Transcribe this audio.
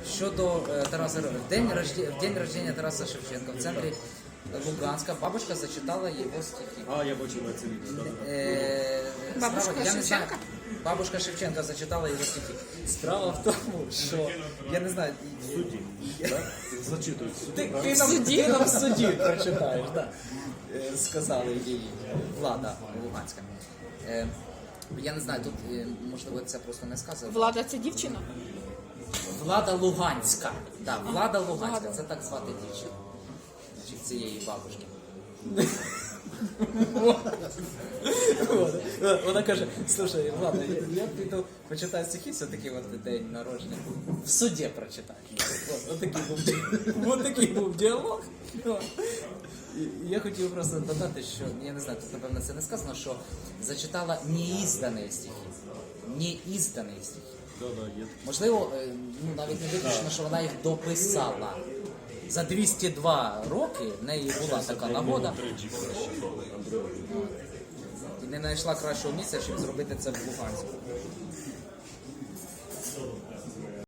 Щодо Тараса, в день рождения Тараса Шевченка в центрі Луганська бабушка зачитала його стихи. А, я бачив це відео, так. Бабушка Я не знаю, Шевченка? бабушка Шевченка зачитала його стихи. Справа в тому, що я не знаю. Судді, так? Зачитують судді, Ти нам в суді прочитаєш, так. Сказали їй влада Луганська. Я не знаю, тут можливо це просто не сказано. Влада це дівчина? Влада Луганська. Так, Влада Луганська, це так звати дівчину. Значить, цієї бабушки. Вона каже, слушай, Влада, я піду почитаю стихи, все-таки от день народження. В суді прочитаю. Ось такий був діалог. І я хотів просто додати, що, я не знаю, тут напевно це не сказано, що зачитала неіздані стихи. Неіздані стихи. Можливо, навіть не виключно, що вона їх дописала. За 202 роки в неї була така нагода. І не знайшла кращого місця, щоб зробити це в Луганську.